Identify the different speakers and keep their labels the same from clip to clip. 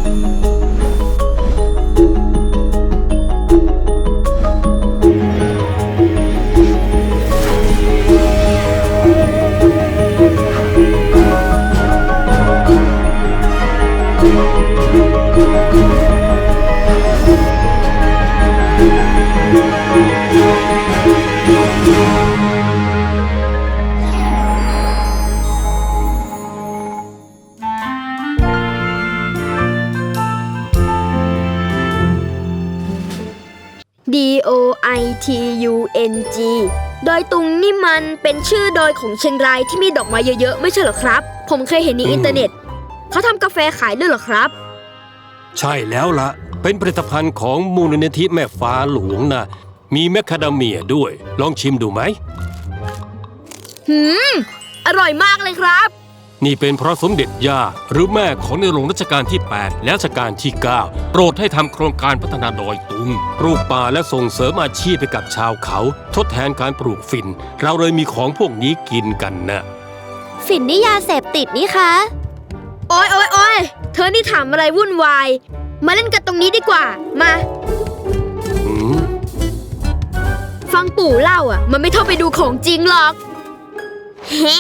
Speaker 1: DOITUNG ดอยตุงนี่มันเป็นชื่อดอยของเชียงรายที่มีดอกไม้เยอะๆไม่ใช่เหรอครับผมเคยเห็นในอินเทอร์เน็ตเขาทำกาแฟขายด้วยเหรอครับ
Speaker 2: ใช่แล้วล่ะเป็นผลิตภัณฑ์ของมูลนิธิแม่ฟ้าหลวงนะมีแมคคาเดเมียด้วยลองชิมดูไหม
Speaker 1: อร่อยมากเลยครับ
Speaker 2: นี่เป็นเพราะสมเด็จย่าหรือแม่ของในหลวงรัชกาลที่ 8 และรัชกาลที่ 9 โปรดให้ทำโครงการพัฒนาดอยตุงปลูกป่าและส่งเสริมอาชีพให้กับชาวเขาทดแทนการปลูกฝิ่นเราเลยมีของพวกนี้กินกันนะ
Speaker 3: ฝิ่นนี่ยาเสพติดนี่คะ
Speaker 1: โอ๊ยเธอนี่ถามอะไรวุ่นวายมาเล่นกันตรงนี้ดีกว่ามาฟังปู่เล่ามันไม่เท่าไปดูของจริงหรอก
Speaker 3: เฮ้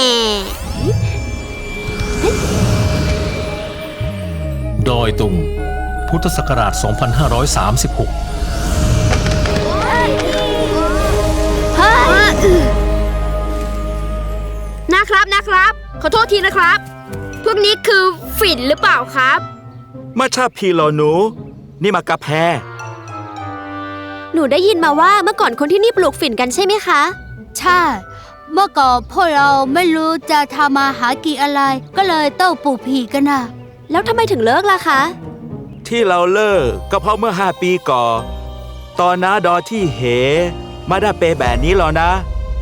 Speaker 4: ดอยตุงพุทธศักราช 2536
Speaker 1: นะครับขอโทษทีนะครับพวกนี้คือฝิ่นหรือเปล่าครับ
Speaker 5: มาชาพีเหรอหนูนี่มากาแฟ
Speaker 3: หนูได้ยินมาว่าเมื่อก่อนคนที่นี่ปลูกฝิ่นกันใช่ไหมคะ
Speaker 6: ใช่เมื่อก่อนพวกเราไม่รู้จะทำมาหากินอะไรก็เลยต้องปลูกผีกันนะ
Speaker 3: แล้วทำไมถึงเลิกล่ะคะ
Speaker 5: ที่เราเลิกก็เพราะเมื่อ5 ปีก่อนตอนน้าดอที่เหมาได้เปแบบนี้หรอนะ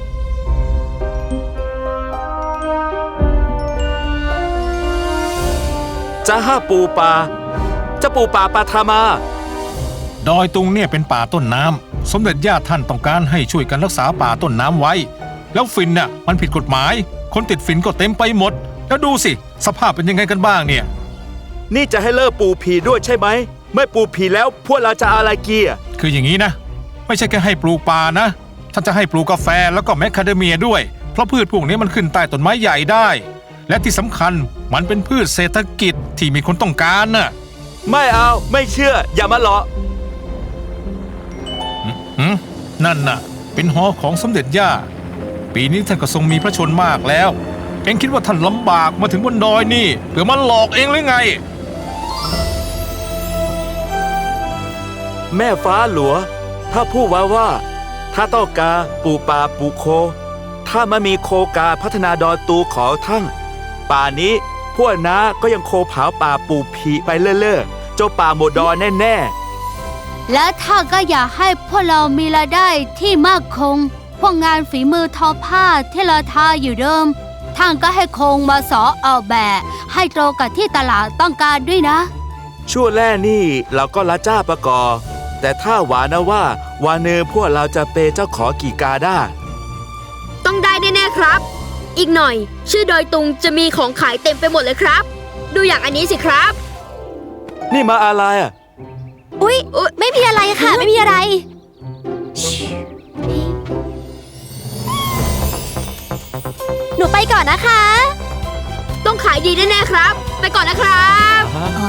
Speaker 5: จะห้าปูปลาจะปูปลาทามา
Speaker 4: ดอยตุงเนี่ยเป็นป่าต้นน้ำสมเด็จย่าท่านต้องการให้ช่วยกันรักษาป่าต้นน้ำไว้แล้วฝิ่นน่ะมันผิดกฎหมายคนติดฝิ่นก็เต็มไปหมดแล้วดูสิสภาพเป็นยังไงกันบ้างเนี่ย
Speaker 5: นี่จะให้เลิกปลูกผีด้วยใช่ไหมไม่ปลูกผีแล้วพวกเราจะอะไรกี
Speaker 4: คืออย่างนี้นะไม่ใช่แค่ให้ปลูกป่านะท่านจะให้ปลูกกาแฟแล้วก็แมคคาเดเมียด้วยเพราะพืชพวกนี้มันขึ้นใต้ต้นไม้ใหญ่ได้และที่สำคัญมันเป็นพืชเศรษฐกิจที่มีคนต้องการน่ะ
Speaker 5: ไม่เอาไม่เชื่ออย่ามาหลอก
Speaker 4: นั่นน่ะเป็นหอของสมเด็จย่าปีนี้ท่านก็ทรงมีพระชนมากแล้วเอ็งคิดว่าท่านลำบากมาถึงบนดอยนี่เพื่อมาหลอกเองหรือไง
Speaker 5: แม่ฟ้าหลวงถ้าพูดว่าถ้าต้องการปลูกป่าปลูกโคถ้าไม่มีโคกาพัฒนาดอยตูขอทั้งป่านี้พวกน้าก็ยังโคเผาป่าปลูกผีไปเรื่อยๆเจ้าป่าหมดดอยแน่
Speaker 6: ๆและถ้าก็อยากให้พวกเรามีรายได้ที่มั่นคงพวกงานฝีมือทอผ้าที่เราทาอยู่เดิมท่านก็ให้คงมาสอเอาแบบให้ตรงกับที่ตลาดต้องการด้วยนะ
Speaker 5: ช่วงแรกนี่เราก็ละจ้าประกอบแต่ถ้าหวานนะว่าวันนึงพวกเราจะเปเจ้าขอกี่กาได้
Speaker 1: ต้องได้แน่ๆครับอีกหน่อยชื่อดอยตุงจะมีของขายเต็มไปหมดเลยครับดูอย่างอันนี้สิครับ
Speaker 5: นี่มาอะไร
Speaker 3: อุ๊ยไม่มีอะไรค่ะไม่มีอะไรหนูไปก่อนนะคะ
Speaker 1: ต้องขายดีแน่ๆครับไปก่อนนะครับ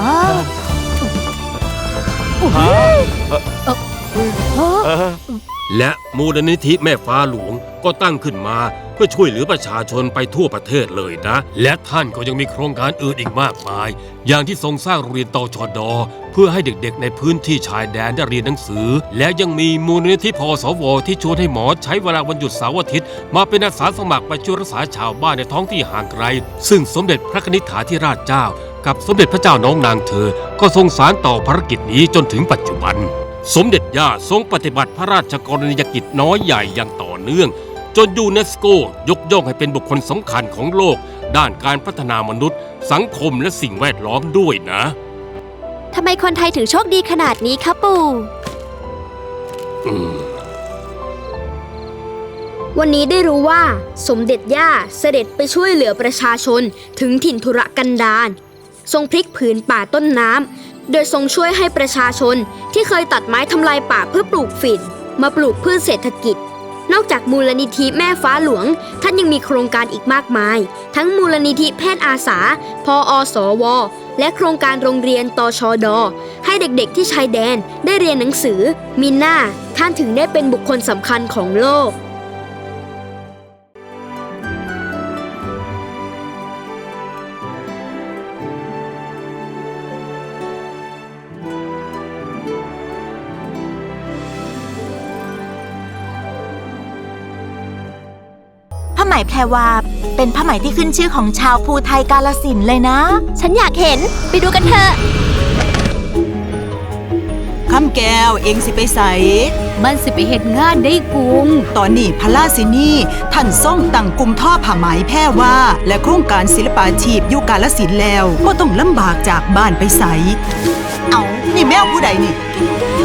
Speaker 2: และมูลนิธิแม่ฟ้าหลวงก็ตั้งขึ้นมาเพื่อช่วยเหลือประชาชนไปทั่วประเทศเลยนะและท่านก็ยังมีโครงการอื่นอีกมากมายอย่างที่ทรงสร้างโรงเรียนตชด.เพื่อให้เด็กๆในพื้นที่ชายแดนได้เรียนหนังสือและยังมีมูลนิธิพสว.ที่ชวนให้หมอใช้เวลาวันหยุดเสาร์อาทิตย์มาเป็นอาสาสมัครไปช่วยรักษาชาวบ้านในท้องที่ห่างไกลซึ่งสมเด็จพระนิธิฐาธิราชเจ้ากับสมเด็จพระเจ้าน้องนางเธอก็ทรงสานต่อภารกิจนี้จนถึงปัจจุบันสมเด็จย่าทรงปฏิบัติพระราชกรณียกิจน้อยใหญ่อย่างต่อเนื่องจนยูเนสโกยกย่องให้เป็นบุคคลสำคัญของโลกด้านการพัฒนามนุษย์สังคมและสิ่งแวดล้อมด้วยนะ
Speaker 3: ทำไมคนไทยถึงโชคดีขนาดนี้คะปู่
Speaker 1: วันนี้ได้รู้ว่าสมเด็จย่าเสด็จไปช่วยเหลือประชาชนถึงถิ่นทุรกันดารทรงพลิกผืนป่าต้นน้ำโดยทรงช่วยให้ประชาชนที่เคยตัดไม้ทำลายป่าเพื่อปลูกฝิ่นมาปลูกพืชเศรษฐกิจนอกจากมูลนิธิแม่ฟ้าหลวงท่านยังมีโครงการอีกมากมายทั้งมูลนิธิแพทย์อาสาพอสวและโครงการโรงเรียนตชดให้เด็กๆที่ชายแดนได้เรียนหนังสือมีหน้าท่านถึงได้เป็นบุคคลสำคัญของโลก
Speaker 7: ผ้าไหมแพรวาเป็นผ้าไหมที่ขึ้นชื่อของชาวภูไทยกาฬสินธุ์เลยนะ
Speaker 3: ฉันอยากเห็นไปดูกันเถอะ
Speaker 8: คำแก้วเองสิไปใส
Speaker 6: มันสิไปเฮ็ดงานได้กุง
Speaker 8: ตอนนี้พระราชินีท่านส่งตั้งกลุ่มท่อผ้าไหมแพรวาและโครงการศิลปาชีพอยู่กาฬสินธุ์แล้วบ่ต้องลำบากจากบ้านไปใส เอานี่แมวผู้ใดนี่
Speaker 3: แก้